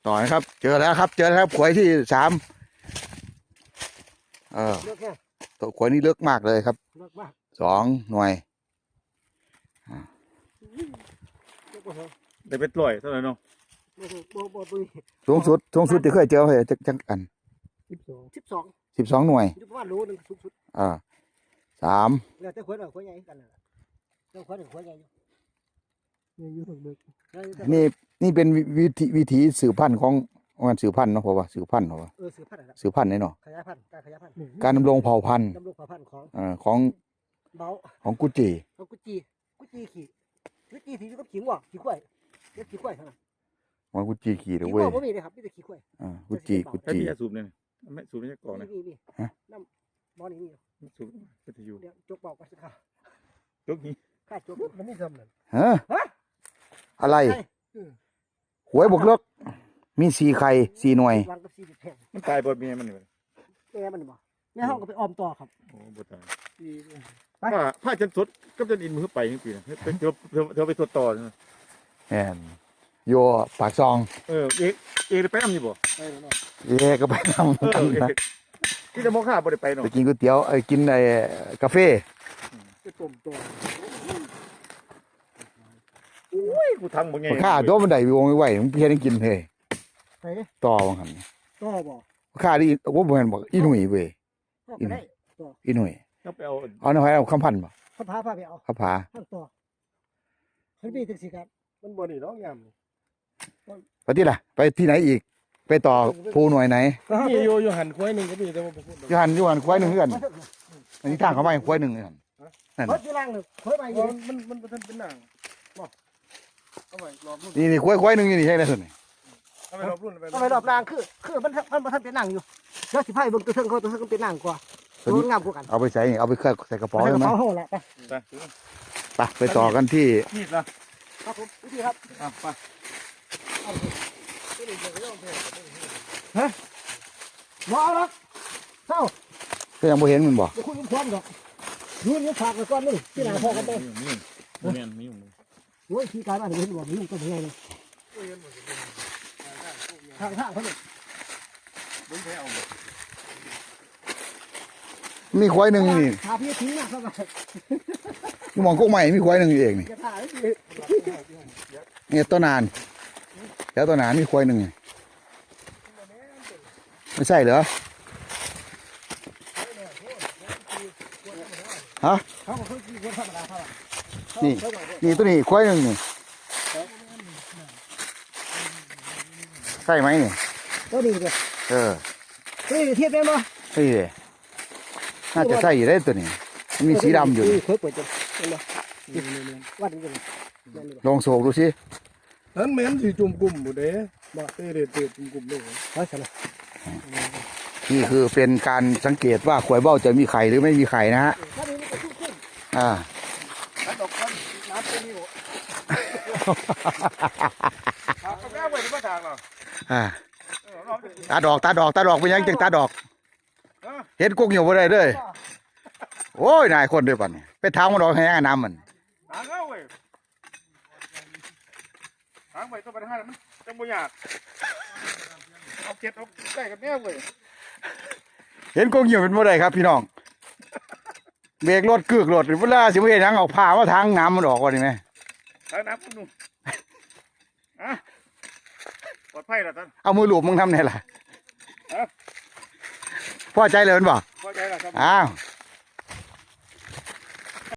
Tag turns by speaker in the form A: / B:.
A: ต่อนะครับเจอแล้วครับเจอแล้วครับขวยที่สามตัวขวยนี่เลึกมากเลยครับ2 หน่วย
B: ได้เป็นร้อยเท่าไหร่เนาะ
A: สูงสุดที่เคยเจอเลยจังอัน12 หน่วย
C: ประมาณโลนึงสูงสุด
A: 3
C: แล้วแต่ขวดขวดใหญ่กันน่ะเจ้าขวดขวดใหญ่อยู่ถึงดึก
A: นี่เป็นวิธีสืบพันธุ์ของงานสืบพันธุ์เนาะเพราะว่าสืบพันธุ์เนาะสืบพันธุ์เนาะ
C: ขยายพันธุ์การขยายพันธุ์
A: การดำรงเผ่าพันธุ์ของกุจิ
C: ขี่ก็ขิงว่ะขี่ควายเด็กขี่ควายเท่านั้น
A: มันกุจิขี่เลย
C: เว้
A: ย
C: ไม่มีเลยครับมีแต่ขี่ควาย
A: กุจิ
B: ไอ้พี่จะสูบเนี่ยไม่สูบไม่ใช่กล่องนะ
C: น้ำบ่อนี่มี
B: สูบก็จะอยู่
C: จกเบากันสักครั้ง
B: จกนี้
C: ข้าจกมันไม่ทำเลย
A: ฮะอะไรหวยบวกเลิกมี4 ไข่ 4 หน่วย
B: มันตายบดเมียมันนี่
C: แม่มันบ่แม่ห้องก็ไปออมต่อครับ
B: โอ้บดตายผ้าจันสดก็จะอินมือไปนี่ปีนะเธอไปตัวต่อนะ
A: แอนโยปากซอง
B: เอกไปน้ำอยู่บ่
A: ก็ไปน้ำ
B: ที่จะมองข้าบ่ได้ไปเนาะ
A: ไปกินก๋วยเตี๋ยวกินกาแฟ
C: ไปต้มตัว
B: อุ้ยกูทำบ่ไง
A: ข้าตัวมันได้วงไว้มึงเพี้ยนกินเลยต่อว่างั้น
C: ต่อบ่
A: ข้าดิว่าบ่แม่นบอกอีหนุ่ยเว้ยอีหนุ่ย
B: ไปเอา
A: หน่อยเอาคำพันบ่
C: คำพาพาไปเอา
A: คำพา
C: ต่อเฮ้ยพี่จังซี่ครับ
B: มันบ่นี่น้องยาม
A: ไปที่ล่ะไปที่ไหนอีกไปต่อภูหน่วยไหน
B: นี่อยู่หันควายนึงก็มีแต่ว่าบ่พูด
A: อยู่หันควายนึงคือกันอันนี้ทางเข้าไปควายนึงนั่น
C: เขาอยู่ล่างนึงควายมาอยู่
B: มันเป็นหนังบ่เอาไว้รอบรุ่น
A: นี่ควายนึงนี่ใช่แล้วซั่นนี่
B: เอาไว้รอบรุ่น
C: เอาไว้รอบล่างคือมันทันเป็นหนังอยู่แล้วสิพายเบิ่งตัวเทิงเขาเป็นหนังกว่าตัวงามกว่ากัน
A: เอาไปใส่เอาไปใส่กระป๋องได้มั้ยไปต่อกันที่
B: นี่ล่ะ
C: ครับผมวิธีครับ
B: ไป
C: ฮะบ่เอาละเท่า
A: ก็ยังบ่เห็นมันบ่
C: คุยกันพร้อมดอกยืนยังฝากไว้ก่อนนึงที่หน้าพ่อกันไป
B: มี
C: โอ้ยที่การบ้านเห็นบ่มีก็บ่ไงเลยทางเขาเนี่ย
B: บ่แพ้เอา
A: มีควายนึงนี่
C: พาพี่ทิ้งนะเข้าไป
A: นี่มองกุ๊กใหม่มีควายนึงเองนี่เนี่ยต้นนานแล้วต้นนานมีควายนึงไม่ใช่เหรอฮะนี่ตัวนี้ควายนึงนี่ใช่ไหมนี่
C: ตัวนี้เด้อเทียบเป็นบ่
A: ใช่เลยน่าจะใช่ได้ตัวนี้มีสีดำอยู่ลองโศกดูสิ
B: นั้นแม่นสิจุ่มกลุ่มบ่เด้บ่เด็ดจุ่มกลุ่มเลย
A: นี่คือเป็นการสังเกตว่าขวยเบ้าจะมีไข่หรือไม่มีไข่นะฮะตาดอกไปยังจังตาดอกเห็นกุ้งอยู่บ่ได้เลยโอ้ยนายคนด้วยป่ะนี่ไปทางมันดอกแห้งน้ำมัน
B: ทางเอาเว้ยทางไปต้องไปทางนั้นจังบ่ยากเอาเก็บเอาใกล้กันแน่เว้ย
A: เห็นกุ้งอยู่เป็นบ่ได้ครับพี่น้องเบรกรถกึกรถเวลาสิบ่เฮ็ดหยังเอาผ้ามาทางน้ำมันออกว่านี่แม่
B: ทางน้ำนุ่มปลอดภัยล่ะท่าน
A: เอามือหลูบมึงทำไงล่ะพอใจเลยมันบ่
B: พอใจแล้วครับ
A: อ้าว